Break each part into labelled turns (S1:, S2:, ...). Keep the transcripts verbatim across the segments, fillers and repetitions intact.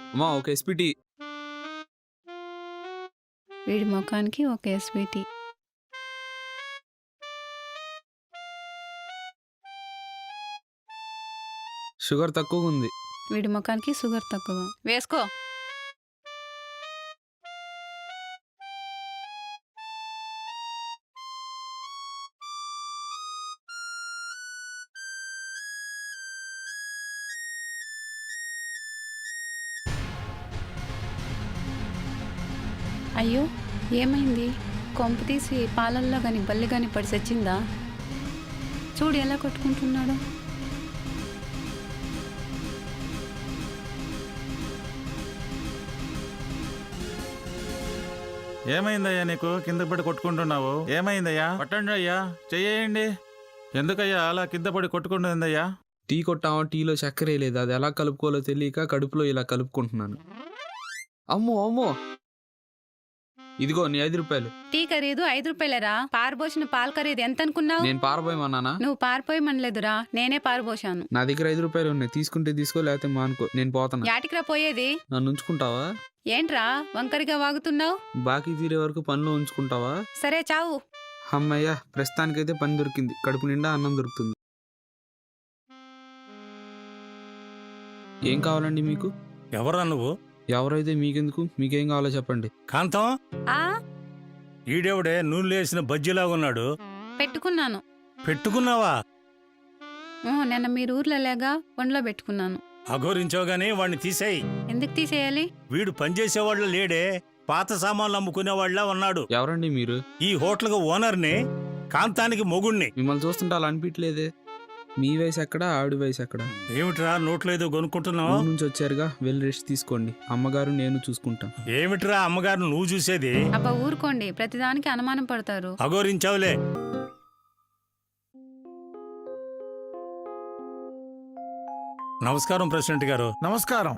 S1: అమ్మా ఒక ఎస్పీటీ.
S2: వీడి ముఖానికి ఒక ఎస్పీటీ.
S1: షుగర్ తక్కువగా ఉంది.
S2: వీడి ముఖానికి షుగర్ తక్కువ. వేసుకో. అయ్యో ఏమైంది? కొంప తీసి పాలల్లో కానీ బల్లి కానీ పడి చచ్చిందా? చూడు ఎలా కొట్టుకుంటున్నాడు.
S3: ఏమైందయ్యా నీకు? కింద పడి కొట్టుకుంటున్నావు, ఏమైందయ్యా? పట్టండి అయ్యా, చెయ్యండి. ఎందుకయ్యా అలా కింద పడి కొట్టుకుంటుందయ్యా?
S1: టీ కొట్టామా, టీలో చక్కెర లేదు, అది ఎలా కలుపుకోవాలో తెలియక కడుపులో ఇలా కలుపుకుంటున్నాను. అమ్మో అమ్మో, ఇదిగో నీ ఐదు రూపాయలు.
S2: టీ ఖరీదు ఐదు రూపాయలరా? పారబోసిన పాలు ఖరీదు ఎంత అనుకున్నావు?
S1: నేను పారబోయమన్నానా?
S2: నువ్వు పారిపోయమనలేదురా, నేనే పారబోసాను.
S1: నా దగ్గర ఐదు రూపాయలు ఉన్నాయి, తీసుకుంటే తీసుకో, లేకపోతే మానుకో, నేను పోతాను.
S2: యాటికిరా పోయేది?
S1: నన్ను ఉంచుకుంటావా?
S2: ఏంట్రా వంకరిగా వాగుతున్నావు?
S1: బాకీ తీరే వరకు పనిలో ఉంచుకుంటావా?
S2: సరే చావు.
S1: అమ్మయ్యా, ప్రస్తుతానికైతే పని దొరికింది, కడుపు నిండా అన్నం దొరుకుతుంది. ఏం కావాలండి మీకు?
S4: ఎవరా నువ్వు?
S1: ఎవరైతే మీకెందుకు, మీకేం కావాలో చెప్పండి.
S4: కాంతం,
S2: ఆ
S4: ఈడెవడే నూనె లేసిన బజ్జీలాగా ఉన్నాడు?
S2: పెట్టుకున్నాను.
S4: పెట్టుకున్నావా?
S2: ఊ, నిన్న మీరు ఊర్లో లేగా ఒంట్లో పెట్టుకున్నాను.
S4: అఘోరించావు గానీ వాడిని తీసేయి.
S2: ఎందుకు తీసేయాలి?
S4: వీడు పనిచేసేవాళ్ళు లేడే, పాత సామాన్లు అమ్ముకునేవాళ్ళ ఉన్నాడు.
S1: ఎవరండి మీరు?
S4: ఈ హోటల్కి ఓనర్ని, కాంతానికి మొగుణ్ణి.
S1: మిమ్మల్ని చూస్తుంటే అలా అనిపించలేదే. మీ వయసు ఎక్కడ, ఆవిడ వయసు ఎక్కడ?
S4: ఏమిట్రా నోట్లో ఏదో కొనుక్కుంటున్నావు?
S1: ఊరు నుంచి వచ్చారుగా, వెళ్ళి రెస్ట్ తీసుకోండి. అమ్మగారు నేను చూసుకుంటాం.
S4: ఏమిట్రా అమ్మగారు నువ్వు చూసేది?
S2: అబ్బా ఊరుకోండి, ప్రతిదానికి అనుమానం పడతారు.
S4: అఘోరించావులే. నమస్కారం ప్రెసిడెంట్ గారు.
S5: నమస్కారం.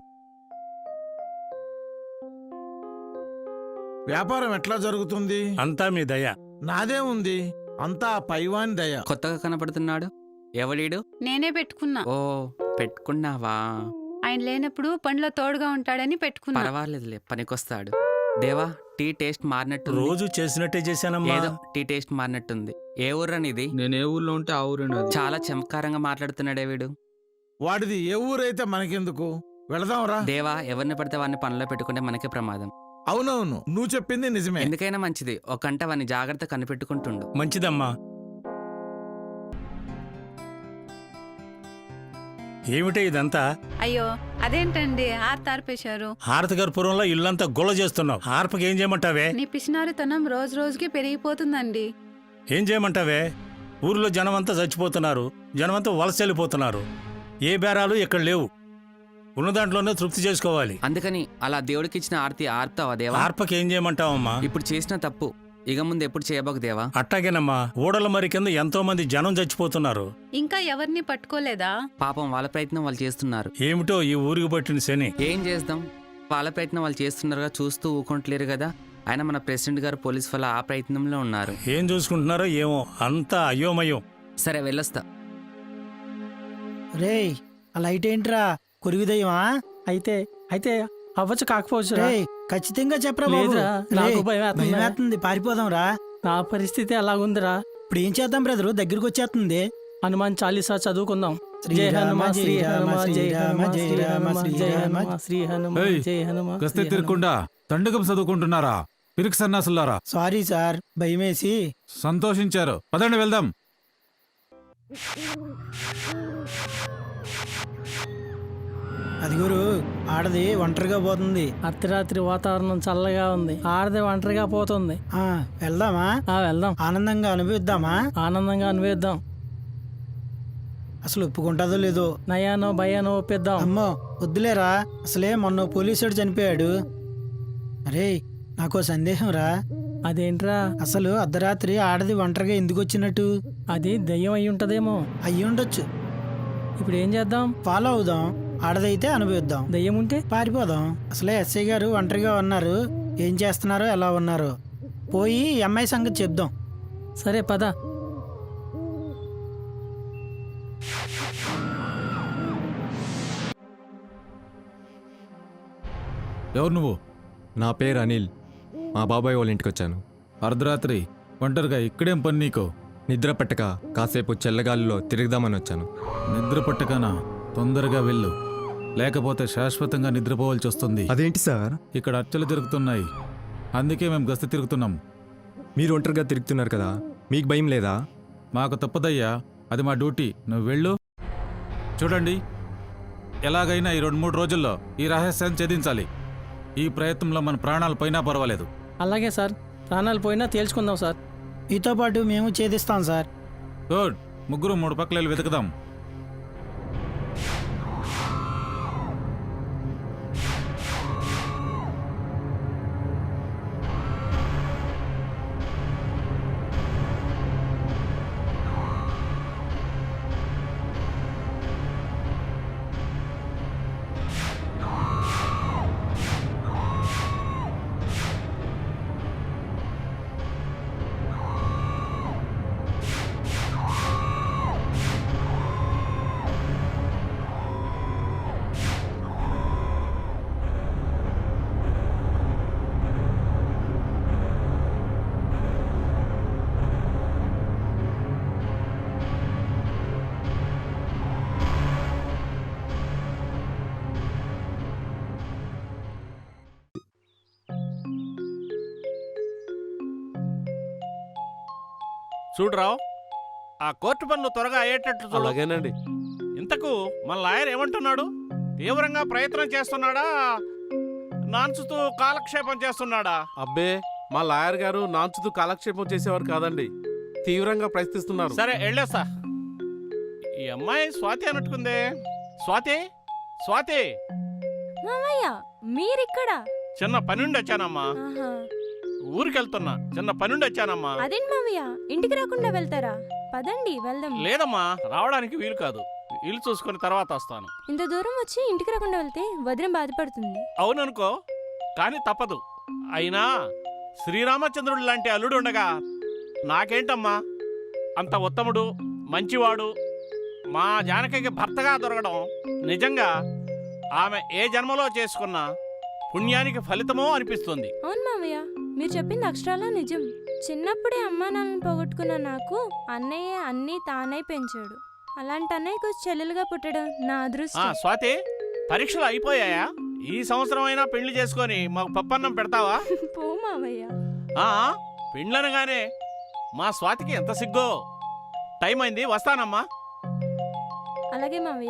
S5: వ్యాపారం ఎట్లా జరుగుతుంది?
S4: అంతా మీ దయ.
S5: నాదే ఉంది, అంతా పైవాని దయ.
S6: కొత్తగా కనపడుతున్నాడు ఎవడీడు?
S2: నేనే పెట్టుకున్నా.
S6: ఓ పెట్టుకున్నావా?
S2: ఆయన లేనప్పుడు పనిలో తోడుగా ఉంటాడని పెట్టుకున్నా.
S6: పర్వాలేదులే, పనికొస్తాడు. దేవా, టీ టేస్ట్ మారినట్టు.
S4: రోజు చేసినట్టే చేశానమ్మా.
S6: ఏదో టీ టేస్ట్ మారినట్టుంది. ఏ ఊర్రనిది?
S1: నేను ఏ ఊర్లో ఉంటే ఆ ఊరే నాది.
S6: చాలా చమత్కారంగా మాట్లాడుతున్నాడే వీడు.
S5: వాడిది ఏ ఊరైతే మనకెందుకు, వెళదాంరా.
S6: దేవా, ఎవరిని పడితే వాడిని పనిలో పెట్టుకుంటే మనకే ప్రమాదం.
S5: అవునవును, నువ్వు చెప్పింది నిజమే.
S6: ఎందుకైనా మంచిది ఒక గంట వాడిని జాగ్రత్త కనిపెట్టుకుంటుండు.
S4: మంచిదమ్మా. ఏమిటే ఇదంతా?
S2: అయ్యో అదేంటండి హారతి ఆర్పేశారు?
S4: హారతి గర్పురంలో ఇల్లంతా గొల్ల చేస్తున్నావు. హారపకి ఏం చేయమంటావే?
S2: నీ పిసినారితనం రోజు రోజుకి పెరిగిపోతుందండి.
S4: ఏం చేయమంటావే? ఊర్లో జనమంతా చచ్చిపోతున్నారు, జనమంతా వలస వెళ్ళిపోతున్నారు. ఏ బేరాలు ఇక్కడ లేవు, ఉన్న దాంట్లోనే తృప్తి చేసుకోవాలి.
S6: అందుకని అలా దేవుడికి ఇచ్చిన ఆర్తి ఆర్తావా దేవా?
S4: హార్పకి ఏం చేయమంటావమ్మా?
S6: ఇప్పుడు చేసిన తప్పు ఇక ముందు ఎప్పుడు చేయబోకు దేవా.
S4: అట్టాగేనమ్మా, ఊడల మరి కింద ఎంతో మంది జనం చచ్చిపోతున్నారు.
S2: ఇంకా ఎవరిని పట్టుకోలేదా?
S6: పాపం వాళ్ళ ప్రయత్నం వాళ్ళు చేస్తున్నారు.
S4: ఏమిటో ఈ ఊరికి పట్టిన శని.
S6: ఏం చేద్దాం, వాళ్ళ ప్రయత్నం వాళ్ళు చేస్తున్నారుగా, చూస్తూ ఊకుంటలేరు కదా. ఆయన మన ప్రెసిడెంట్ గారు పోలీస్ వల్ల ఆ ప్రయత్నంలో ఉన్నారు.
S4: ఏం చూసుకుంటున్నారో ఏమో, అంతా అయోమయం.
S6: సరే వెళ్ళొస్తా.
S7: రే ఆ లైట్ ఏంట్రా, కొరివిదయ్యమా?
S8: అయితే అయితే అవ్వచ్చు, కాకపోవచ్చు.
S7: రే ఖచ్చితంగా చెప్పరా బాబు.
S8: లేదురా, నాకు భయం వేస్తుంది.
S7: భయం వేస్తుంది, పారిపోదాం రా.
S8: నా పరిస్థితి అలాగుందిరా.
S7: ఇప్పుడు ఏం చేద్దాం బ్రదరు, దగ్గరికి వచ్చేస్తుంది.
S8: హనుమాన్ చాలీసా చదువుకుందాం.
S7: జై హనుమ శ్రీ హనుమ శ్రీ రామ జై రామ శ్రీ రామ
S8: శ్రీ హనుమ జై హనుమ.
S3: గస్తీ తిరగకుండా దండకం చదువుకుంటున్నారా పిరికి సన్నాసులారా?
S7: Sorry sir, భయమేసి.
S3: సంతోషించారు, పదండి వెళ్దాం.
S7: అది గురు, ఆడది ఒంటరిగా పోతుంది.
S8: అర్ధరాత్రి వాతావరణం చల్లగా ఉంది, ఆడది ఒంటరిగా పోతుంది.
S7: ఆ వెళ్దామా?
S8: ఆ వెళ్దాం,
S7: ఆనందంగా అనుభవిద్దామా?
S8: ఆనందంగా అనుభవిద్దాం.
S7: అసలు ఒప్పుకుంటుందో లేదో.
S8: నయానో భయానో ఒప్పిద్దాం.
S7: అమ్మో వద్దులేరా, అసలే మొన్న పోలీసుడు చనిపోయాడు. అరే నాకో సందేహం రా.
S8: అదేంట్రా?
S7: అసలు అర్ధరాత్రి ఆడది ఒంటరిగా ఎందుకు వచ్చినట్టు?
S8: అది దయ్యం అయి ఉంటదేమో.
S7: అయ్యి ఉండొచ్చు.
S8: ఇప్పుడు ఏం చేద్దాం?
S7: ఫాలో అవుదాం, ఆడదైతే అనుభవిద్దాం.
S8: దయ్యం ఉంటే
S7: పారిపోదాం. అసలే ఎస్ఐ గారు ఒంటరిగా ఉన్నారు, ఏం చేస్తున్నారో ఎలా ఉన్నారో. పోయి అమ్మాయి సంగతి చెప్దాం.
S8: సరే పద.
S3: ఎవరు నువ్వు?
S9: నా పేరు అనిల్. మా బాబాయ్ వాళ్ళ ఇంటికి వచ్చాను.
S3: అర్ధరాత్రి ఒంటరిగా ఇక్కడేం పని నీకు?
S9: నిద్ర పట్టక కాసేపు చల్లగాలిలో తిరుగుదామని వచ్చాను.
S3: నిద్ర పట్టకనా? తొందరగా వెళ్ళు, లేకపోతే శాశ్వతంగా నిద్రపోవాల్సి వస్తుంది.
S9: అదేంటి సార్?
S3: ఇక్కడ అర్చలు జరుగుతున్నాయి, అందుకే మేము గస్తీ తిరుగుతున్నాం.
S9: మీరు ఒంటరిగా తిరుగుతున్నారు కదా, మీకు భయం లేదా?
S3: మాకు తప్పదయ్యా, అది మా డ్యూటీ. నువ్వు వెళ్ళు. చూడండి, ఎలాగైనా ఈ రెండు మూడు రోజుల్లో ఈ రహస్యాన్ని ఛేదించాలి. ఈ ప్రయత్నంలో మన ప్రాణాలు పోయినా పర్వాలేదు.
S8: అలాగే సార్, ప్రాణాలు పోయినా తేల్చుకుందాం సార్.
S7: మీతో పాటు మేము ఛేదిస్తాం సార్.
S3: గుడ్, ముగ్గురు మూడు పక్కల వెళ్ళి వెతుకుదాం.
S5: చూడరావు, ఆ కోర్టు పనులు త్వరగా అయ్యేటట్లు చూడు.
S10: అలాగేనండి.
S5: ఇంతకు మన లాయర్ ఏమంటున్నాడు? తీవ్రంగా ప్రయత్నం చేస్తున్నాడా, నాన్చుతూ కాలక్షేపం చేస్తున్నాడా?
S10: అబ్బే, మా లాయర్ గారు నాంచుతూ కాలక్షేపం చేసేవారు కాదండి, తీవ్రంగా ప్రయత్నిస్తున్నారు.
S5: సరే వెళ్ళేస్తా. ఈ అమ్మాయి స్వాతి అన్నట్టుకుందే. స్వాతి, స్వాతి,
S11: మామయ్య మీరిక్కడ?
S5: చిన్న పనుండి వచ్చానమ్మా.
S11: ఆహా.
S5: ఊరికెళ్తున్నా, చిన్న పనుండి వచ్చానమ్మా.
S11: అదేంటి మామయ్య, ఇంటికి రాకుండా వెళ్తారా? పదండి వెళ్దాం.
S5: లేదమ్మా, రావడానికి వీలు కాదు. ఇల్లు చూసుకుని తర్వాత వస్తాను.
S11: ఇంత దూరం వచ్చి ఇంటికి రాకుండా వెళ్తే వదిన బాధపడుతుంది.
S5: అవుననుకో, కానీ తప్పదు. అయినా శ్రీరామచంద్రుడు లాంటి అల్లుడు ఉండగా నాకేంటమ్మా అంత ఉత్తముడు, మంచివాడు మా జానకికి భర్తగా దొరకడం నిజంగా ఆమె ఏ జన్మలో చేసుకున్న పుణ్యానికి ఫలితమో అనిపిస్తుంది.
S11: అవును మామయ్య, మీరు చెప్పింది అక్షరాలా నిజం. చిన్నప్పుడే అమ్మా నాన్నని పోగొట్టుకున్న నాకు అన్నయ్య అన్నీ తానై పెంచాడు. అలాంటి అన్నయ్యకు చెల్లెలుగా పుట్టడం నా
S5: ఆ
S11: అదృష్టం.
S5: స్వాతి, పరీక్షలు అయిపోయాయా? ఈ సంవత్సరం అయినా పెళ్లి చేసుకొని మాకు పప్పన్నం పెడతావా?
S11: పో మామయ్య.
S5: ఆ పెండ్లనగానే మా స్వాతికి ఎంత సిగ్గో. టైం అయింది, వస్తానమ్మా.
S11: అలాగే మామయ్య.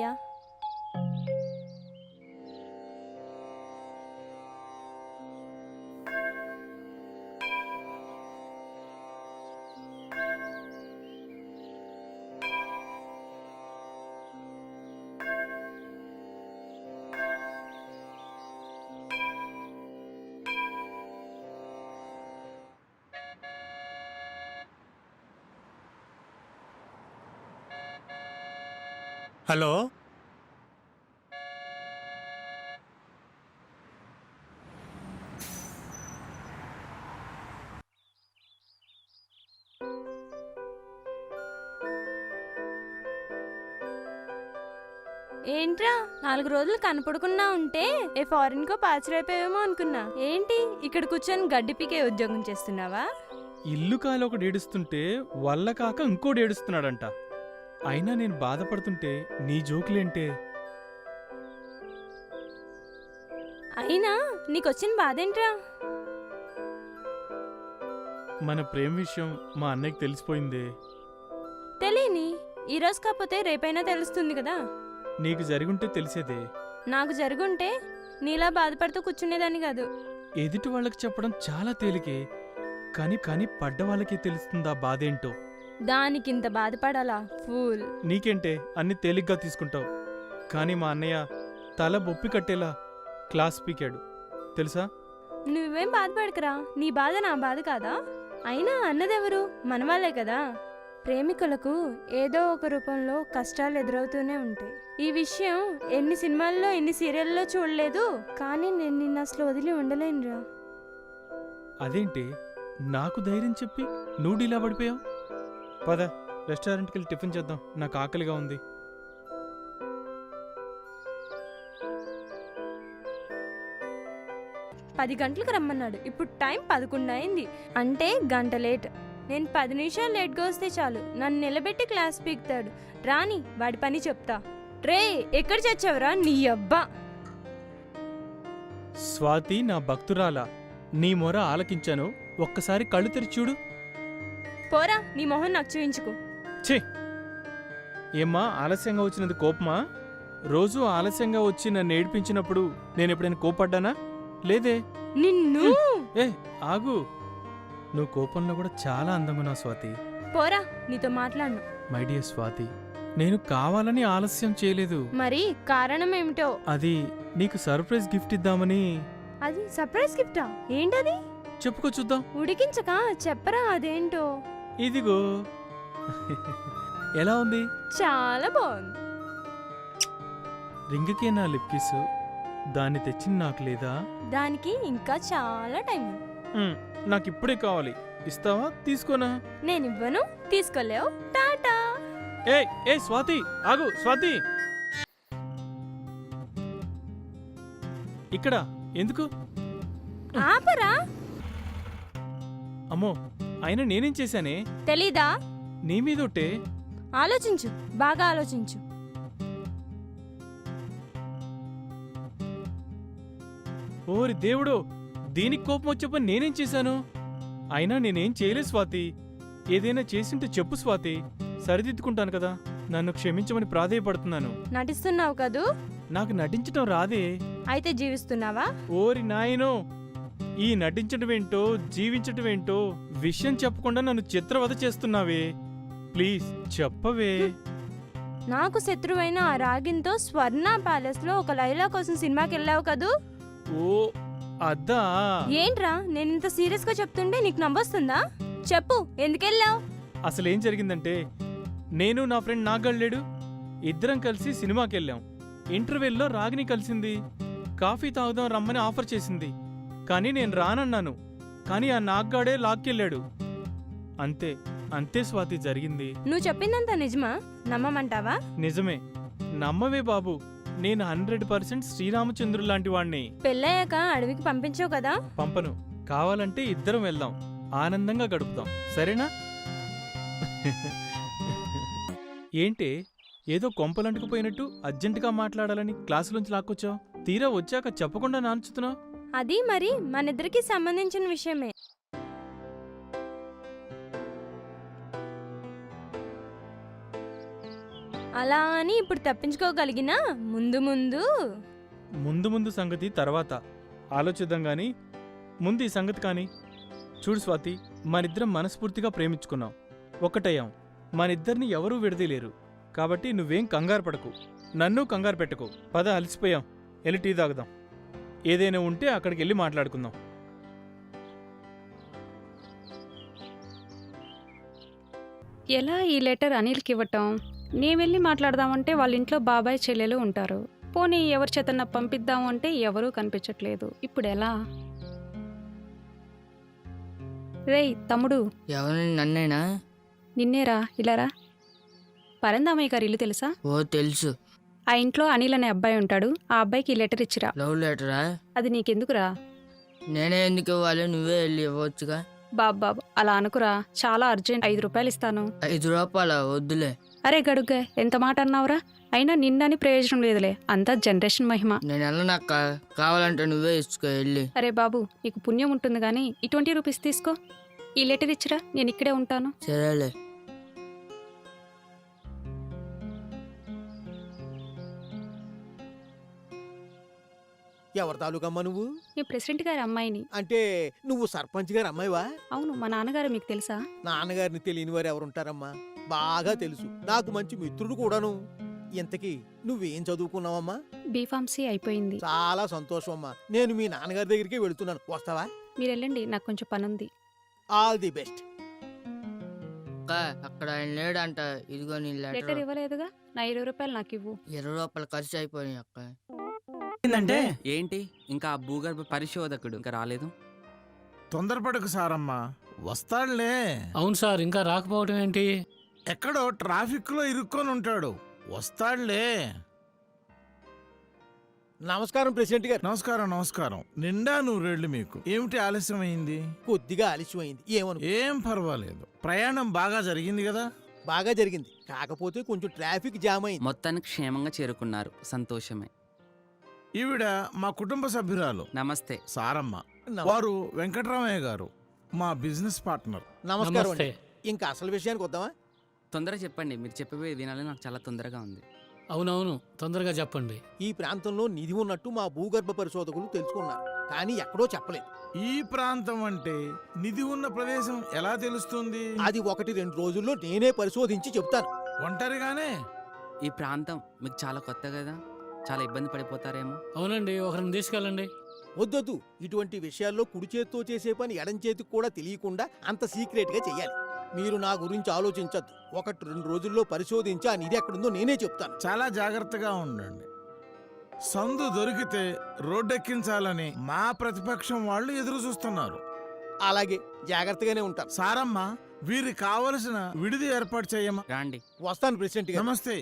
S4: హలో,
S11: ఏంట్రా నాలుగు రోజులు కనపడకుండా ఉంటే ఏ ఫారిన్ కో పాచిరైపోయావేమో అనుకున్నా. ఏంటి ఇక్కడ కూర్చొని గడ్డి పీకే ఉద్యోగం చేస్తున్నావా?
S12: ఇల్లు కాలి ఒకటి ఏడుస్తుంటే వల్ల కాక ఇంకోటి ఏడుస్తున్నాడంట. అయినా నేను బాధపడుతుంటే నీ జోకులేంటే?
S11: అయినా నీకొచ్చిన బాధేంట్రా?
S12: మన ప్రేమ విషయం మా అన్నయ్యకి తెలిసిపోయిందే.
S11: తెలియని ఈరోజు కాకపోతే రేపైనా తెలుస్తుంది కదా.
S12: నీకు జరిగుంటే తెలిసేదే.
S11: నాకు జరుగుంటే నీలా బాధపడుతూ కూర్చునేదాన్ని కాదు.
S12: ఎదుటి వాళ్ళకి చెప్పడం చాలా తేలికే, కానీ కానీ పడ్డ వాళ్ళకే తెలుస్తుందా బాధేంటో.
S11: దానికింత బాధపడాలా ఫూల్?
S12: నీకేంటే అన్ని తేలిగ్గా తీసుకుంటావు, కానీ మా అన్నయ్య తల బొప్పి కట్టేలా క్లాస్ పీకాడు తెలుసా.
S11: నువ్వేం బాధపడకరా, నీ బాధ నా బాధ కాదా? అయినా అన్నదెవరు? మనవాళ్లే కదా. ప్రేమికులకు ఏదో ఒక రూపంలో కష్టాలు ఎదురవుతూనే ఉంటాయి. ఈ విషయం ఎన్ని సినిమాల్లో ఎన్ని సీరియల్లో చూడలేదు, కానీ నేను నిన్ను అసలు వదిలి ఉండలేనురా.
S12: అదేంటి నాకు ధైర్యం చెప్పి నువ్వు ఇలా పడిపోయావు? పద రెస్టారెంట్కి వెళ్ళి టిఫిన్ చేద్దాం, నాకు ఆకలిగా ఉంది.
S11: పది గంటలకు రమ్మన్నాడు. ఇప్పుడు టైం పదకొండు అయింది, అంటే గంట లేట్. నేను పది నిమిషాలు లేట్గా వస్తే చాలు నన్ను నిలబెట్టి క్లాస్ పీకుతాడు. రాని వాడి పని చెప్తా. రే ఎక్కడ చచ్చావురా నీ అబ్బా.
S12: స్వాతి నా భక్తురాలా, నీ మొర ఆలకించాను, ఒక్కసారి కళ్ళు తెరిచి చూడు.
S11: పోరా, నీ మొహం నాకు చూయించుకో.
S12: ఛీ! ఏమ్మా ఆలస్యంగా వచ్చినది కోపమా? రోజు ఆలస్యంగా వచ్చి నన్ను ఏడిపించినప్పుడు నేను ఎప్పుడైనా కోపడ్డానా? లేదే.
S11: నిన్ను
S12: ఏ ఆగు, నువ్వు కోపంలో కూడా చాలా అందంగా ఉన్నావు స్వాతి.
S11: పోరా, నీతో మాట్లాడను.
S12: మై డియర్ స్వాతి, నేను కావాలని ఆలస్యం చేయలేదు.
S11: మరి కారణం ఏమిటో?
S12: అది నీకు సర్ప్రైజ్ గిఫ్ట్ ఇద్దామని.
S11: అది సర్ప్రైజ్ గిఫ్టా? ఏంటది?
S12: చెప్పుకో చూద్దాం.
S11: ఉడికించక చెప్పరా అదేంటో.
S12: ఇదిగో. ఎలా ఉంది?
S11: చాలా బాగుంది.
S12: రింగ్కే నా లిప్ కిస్, దాన్ని తెచ్చింది నాకు లేదా?
S11: దానికి ఇంకా చాలా టైం ఉంది.
S12: మ్, నాకు ఇప్పుడే కావాలి. ఇస్తావా? తీసుకోనా?
S11: నేనివ్వను, తీసుకోలేవు. టాటా.
S12: ఏ ఏ స్వాతి, ఆగు స్వాతి. ఇక్కడ ఎందుకు?
S11: ఆపరా.
S12: అమ్మో, అయినా నేనేం చేశానే?
S11: తెలీదా?
S12: నీ మీదొట్టే.
S11: ఆలోచించు, బాగా ఆలోచించు.
S12: ఓరి దేవుడు, దీనికి కోపం వచ్చే నేనేం చేశాను? అయినా నేనేం చేయలేదు స్వాతి. ఏదైనా చేసింటే చెప్పు స్వాతి, సరిదిద్దుకుంటాను కదా. నన్ను క్షమించమని ప్రాధేయపడుతున్నాను.
S11: నటిస్తున్నావు కదూ?
S12: నాకు నటించటం రాదే.
S11: అయితే జీవిస్తున్నావా?
S12: ఓరి నాయనో, ఈ నటించటమేంటో జీవించటమేంటో విషయం చెప్పకుండా నన్ను చిత్రవధ చేస్తున్నావే. ప్లీజ్ చెప్పవే.
S11: నాకు శత్రువైన ఆ రాగిన్తో స్వర్ణ ప్యాలెస్ లో ఒక లైలా కోసం సినిమాకి వెళ్ళావు కదూ?
S12: ఓ అద్దా.
S11: ఏంట్రా, నేను ఇంత సీరియస్ గా చెప్తుంటే నీకు నవ్వొస్తుందా? చెప్పు, ఎందుకెళ్ళావు?
S12: అసలేం జరిగిందంటే, నేను నా ఫ్రెండ్ నాగళ్ళేడు ఇద్దరం కలిసి సినిమాకి వెళ్ళాం. ఇంటర్వెల్లో రాగిని కలిసింది. కాఫీ తాగుదాం రమ్మని ఆఫర్ చేసింది. కానీ నేను రానన్నాను. కానీ ఆ నాగ్గాడే లాక్కెళ్ళాడు. అంతే అంతే స్వాతి జరిగింది.
S11: నువ్వు చెప్పిందంతా నిజమా? నమ్మమంటావా?
S12: నిజమే. నమ్మవే బాబు, నేను హండ్రెడ్ పర్సెంట్ శ్రీరామచంద్రుడు లాంటి వాణ్ణి.
S11: పెళ్ళయ్యాక అడవికి పంపించావు కదా?
S12: పంపను. కావాలంటే ఇద్దరం వెళ్దాం, ఆనందంగా గడుపుదాం, సరేనా? ఏంటే ఏదో కొంపలంటుకుపోయినట్టు అర్జెంటుగా మాట్లాడాలని క్లాసులోంచి లాక్కొచ్చావు? తీరా వచ్చాక చెప్పకుండా నాంచుతున్నావు.
S11: అది మరి మనిద్దరికి సంబంధించిన విషయమే. అలా అని ఇప్పుడు తప్పించుకోగలిగినా ముందు ముందు
S12: ముందు ముందు సంగతి తర్వాత ఆలోచిద్దాం గాని ముందు ఈ సంగతి కాని. చూడు స్వాతి, మనిద్దరం మనస్ఫూర్తిగా ప్రేమించుకున్నాం, ఒక్కటయ్యాం. మనిద్దరిని ఎవరూ విడదీలేరు. కాబట్టి నువ్వేం కంగారు పడకు, నన్ను కంగారు పెట్టుకో. పద, అలసిపోయాం, వెళ్ళి టీ తాగుదాం. ఏదైనా ఉంటే అక్కడికి వెళ్ళి మాట్లాడుకుందాం.
S2: ఎలా ఈ లెటర్ అనిల్కి ఇవ్వటం? నేను వెళ్ళి మాట్లాడదామంటే వాళ్ళ ఇంట్లో బాబాయ్ చెల్లెలు ఉంటారు. పోనీ ఎవరి చేతన్నా పంపిద్దాము అంటే ఎవరూ కనిపించట్లేదు. ఇప్పుడు ఎలా? రేయ్ తమ్ముడు.
S13: ఎవరు? నన్నేనా?
S2: నిన్నేరా, ఇలారా. పరందామయ్య గారి ఇల్లు తెలుసా?
S13: ఓ తెలుసు.
S2: ఆ ఇంట్లో అనిల్ అనే అబ్బాయి ఉంటాడు. ఆ అబ్బాయికి ఈ లెటర్ ఇచ్చిరా.
S13: లవ్ లెటరా?
S2: అది నీకెందుకురా?
S13: నేనే ఎందుకు ఇవ్వాలి? నువ్వే వెళ్ళి ఇవ్వచ్చుగా.
S2: బాబు బాబు అలా అనుకురా, చాలా అర్జెంట్. ఐదు రూపాయలు ఇస్తాను.
S13: ఐదు రూపాయల? వద్దులే.
S2: అరే గడుగ్గా, ఎంత మాట అన్నావురా? అయినా నిన్నని ప్రయోజనం లేదులే, అంతా జనరేషన్ మహిమ.
S13: నేను వెళ్ళనక్క, కావాలంటే నువ్వే ఇచ్చుకో వెళ్ళి.
S2: అరే బాబు, నీకు పుణ్యం ఉంటుంది కానీ ఈ ట్వంటీ రూపీస్ తీసుకో. ఈ లెటర్ ఇచ్చిరా, నేను ఇక్కడే ఉంటాను.
S13: సరేలే.
S14: ఎవరి తాలూకమ్మా నువ్వు?
S2: మీ ప్రెసిడెంట్ గారి అమ్మాయిని.
S14: అంటే నువ్వు సర్పంచ్ గారి అమ్మాయివా?
S2: అవును. మా నాన్నగారు మీకు తెలుసా?
S14: నాన్నగారిని తెలియని వారు ఎవరుంటారమ్మా, బాగా తెలుసు. నాకు మంచి మిత్రుడు కూడాను. ఇంతకీ నువ్వేం చదువుకున్నావమ్మా?
S2: బీఫార్మసీ అయిపోయింది.
S14: చాలా సంతోషం అమ్మా. నేను మీ నాన్నగారి దగ్గరికి వెళుతున్నాను, వస్తావా?
S2: మీరు వెళ్ళండి, నాకు కొంచెం పని ఉంది.
S14: All the best.
S13: అక్కడ ఆయన లేడంట. ఇదిగో నీ
S2: లెటర్
S13: లెటర్.
S2: ఇవ్వలేదుగా, నా ఇరవై రూపాయలు నాకు ఇవ్వు.
S13: ఇరవై రూపాయలు ఖర్చు అయిపోయినాయి అక్క.
S6: ఏంటంటే ఏంటి, ఇంకా ఆ భూగర్భ పరిశోధకుడు ఇంకా రాలేదు?
S15: తొందరపడకు సారమ్మా, వస్తాడులే.
S16: అవును సార్, ఇంకా రాకపోవడం ఏంటి?
S15: ఎక్కడో ట్రాఫిక్ లో ఇరుక్కొని ఉంటాడు, వస్తాడులే.
S14: నమస్కారం ప్రెసిడెంట్ గారు.
S15: నమస్కారం నమస్కారం. నిండా నూరేళ్లు మీకు. ఏమిటి ఆలస్యమైంది?
S14: కొద్దిగా ఆలస్యమైంది. ఏమను
S15: ఏం పర్వాలేదు. ప్రయాణం బాగా జరిగింది కదా?
S14: బాగా జరిగింది. కాకపోతే కొంచెం ట్రాఫిక్ జామ్ అయింది.
S6: మొత్తానికి క్షేమంగా చేరుకున్నారు, సంతోషమే.
S15: ఈవిడ మా కుటుంబ సభ్యురాలు
S6: నమస్తే.
S15: సారమ్మ.
S14: నమ-
S15: వారు వెంకటరామయ్య గారు, మా బిజినెస్ పార్ట్నర్.
S14: నమస్కారం అండి.
S16: నమస్తే.
S14: ఇంకా అసలు విషయానికి వద్దామా?
S6: తొందరగా చెప్పండి, మీరు చెప్పేవి వినాలని నాకు చాలా తొందరగా ఉంది.
S16: అవునవును, తొందరగా చెప్పండి.
S14: ఈ ప్రాంతంలో నిధి ఉన్నట్టు మా భూగర్భ పరిశోధకులు తెలుసుకున్నారు, కానీ ఎక్కడో చెప్పలేదు.
S15: ఈ ప్రాంతం అంటే నిధి ఉన్న ప్రదేశం ఎలా తెలుస్తుంది?
S14: అది ఒకటి రెండు రోజుల్లో నేనే పరిశోధించి చెప్తాను.
S15: ఒంటరిగానే?
S6: ఈ ప్రాంతం మీకు చాలా కొత్త కదా, చాలా ఇబ్బంది పడిపోతారేమో.
S16: అవునండి, ఒకరిని తీసుకెళ్ళండి.
S14: వద్దొద్దు. ఇటువంటి విషయాల్లో కుడి చేత్తో చేసే పని ఎడం చేతికి కూడా తెలియకుండా అంత సీక్రెట్ గా చెయ్యాలి. మీరు నా గురించి ఆలోచించద్దు. ఒకటి రెండు రోజుల్లో పరిశోధించి ఆ నిధి ఎక్కడుందో నేనే చెప్తాను.
S15: చాలా జాగ్రత్తగా ఉండండి. సందు దొరికితే రోడ్డెక్కించాలని మా ప్రతిపక్షం వాళ్ళు ఎదురు చూస్తున్నారు.
S14: అలాగే జాగ్రత్తగానే ఉంటాను.
S15: సారమ్మ, వీరికి కావలసిన విడిది ఏర్పాటు చేయమ్మా.
S6: రాండి.
S14: వస్తాను ప్రెసిడెంట్ గారు.
S15: నమస్తే.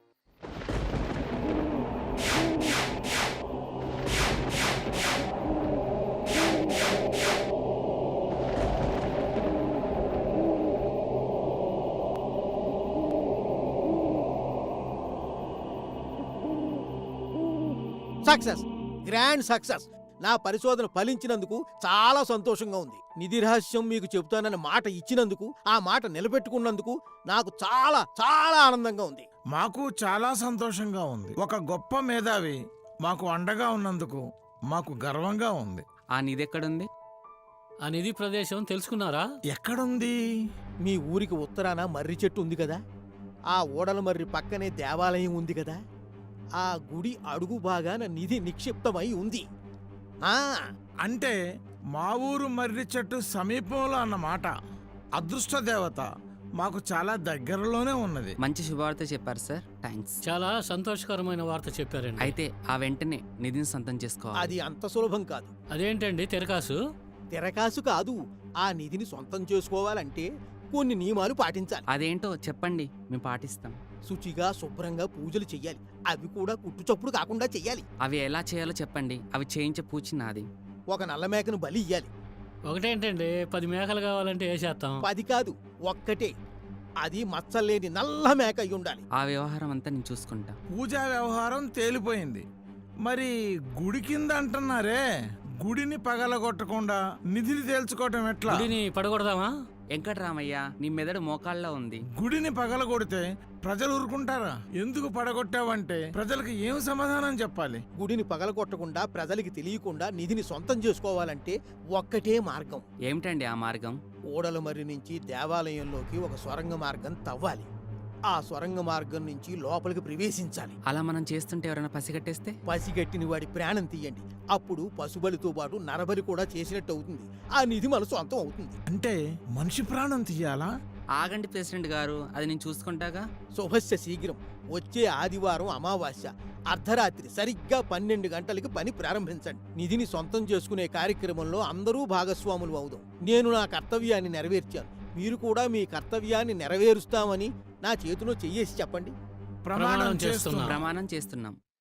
S14: Success, grand success. నా పరిశోధన ఫలించినందుకు చాలా సంతోషంగా ఉంది. నిధి రహస్యం మీకు చెబుతానన్న మాట ఇచ్చినందుకు, ఆ మాట నిలబెట్టుకున్నందుకు నాకు చాలా చాలా ఆనందంగా ఉంది.
S15: మాకు చాలా సంతోషంగా ఉంది. ఒక గొప్ప మేధావి మాకు అండగా ఉన్నందుకు మాకు గర్వంగా ఉంది.
S6: ఆ నిధి ఎక్కడుంది?
S16: ఆ నిధి ప్రదేశం తెలుసుకున్నారా?
S15: ఎక్కడుంది?
S14: మీ ఊరికి ఉత్తరాన మర్రి చెట్టు ఉంది కదా, ఆ ఓడల మర్రి పక్కనే దేవాలయం ఉంది కదా, ఆ గుడి అడుగు భాగాన నిధి నిక్షిప్తమై ఉంది. ఆ
S15: అంటే మా ఊరు మర్రి చెట్టు సమీపంలో అన్నమాట. అదృష్ట దేవత మాకు చాలా దగ్గరలోనే ఉన్నది.
S6: మంచి శుభవార్త చెప్పారు సార్, థ్యాంక్స్.
S16: చాలా సంతోషకరమైన వార్త చెప్పారండి.
S6: అయితే ఆ వెంటనే నిధిని సొంతం చేసుకోవాలి.
S14: అది అంత సులభం కాదు.
S16: అదేంటండి తెరకాసు?
S14: తెరకాసు కాదు. ఆ నిధిని సొంతం చేసుకోవాలంటే కొన్ని నియమాలు పాటించాలి.
S6: అదేంటో చెప్పండి, మేము పాటిస్తాం.
S14: శుచిగా శుభ్రంగా పూజలు చెయ్యాలి. అవి కూడా కుట్టుచప్పుడు కాకుండా చెయ్యాలి.
S6: అవి ఎలా చేయాలో చెప్పండి, అవి చేయించే పూచి నాది.
S14: ఒక నల్ల మేకను బలి ఇయ్యాలి.
S16: ఒకటేంటండి, పది మేకలు కావాలంటే వేసేస్తాం.
S14: పది కాదు, ఒక్కటే. అది మచ్చలేని నల్ల మేక అయి ఉండాలి.
S6: ఆ వ్యవహారం అంతా నేను చూసుకుంటా.
S15: పూజా వ్యవహారం తేలిపోయింది. మరి గుడి కింద అంటున్నారే, గుడిని పగలగొట్టకుండా నిధిని తేల్చుకోవటం ఎట్లా?
S16: గుడిని పడగొడదామా?
S6: వెంకటరామయ్య, నీ మెదడు మోకాళ్ళలో ఉంది.
S15: గుడిని పగలగొడితే ప్రజలు ఊరుకుంటారా? ఎందుకు పడగొట్టావంటే ప్రజలకు ఏం సమాధానం చెప్పాలి?
S14: గుడిని పగలగొట్టకుండా ప్రజలకి తెలియకుండా నిధిని సొంతం చేసుకోవాలంటే ఒక్కటే మార్గం.
S6: ఏమిటండి ఆ మార్గం?
S14: ఓడల మర్రి నుంచి దేవాలయంలోకి ఒక సొరంగ మార్గం తవ్వాలి. ఆ సొరంగ మార్గం నుంచి లోపలికి ప్రవేశించాలి.
S6: అలా మనం చేస్తుంటే ఎవరైనా పసిగట్టేస్తే?
S14: పసిగట్టిన వాడి ప్రాణం తీయండి. అప్పుడు పశుబలితో పాటు నరబలి కూడా చేసినట్టు అవుతుంది. ఆ నిధి మన సొంతం అవుతుంది.
S15: అంటే మనిషి ప్రాణం తీయాలా?
S6: ఆగండి ప్రెసిడెంట్ గారు, అది నేను చూసుకుంటాగా.
S14: శుభస్య శీఘ్రం. వచ్చే ఆదివారం అమావాస్య అర్ధరాత్రి సరిగ్గా పన్నెండు గంటలకి పని ప్రారంభించండి. నిధిని సొంతం చేసుకునే కార్యక్రమంలో అందరూ భాగస్వాములు అవుదాం. నేను నా కర్తవ్యాన్ని నెరవేర్చాను. మీరు కూడా మీ కర్తవ్యాన్ని నెరవేరుస్తామని నా చేతిలో చెయ్యేసి చెప్పండి.
S15: ప్రమాణం చేస్తున్నాం.
S6: ప్రమాణం చేస్తున్నాం.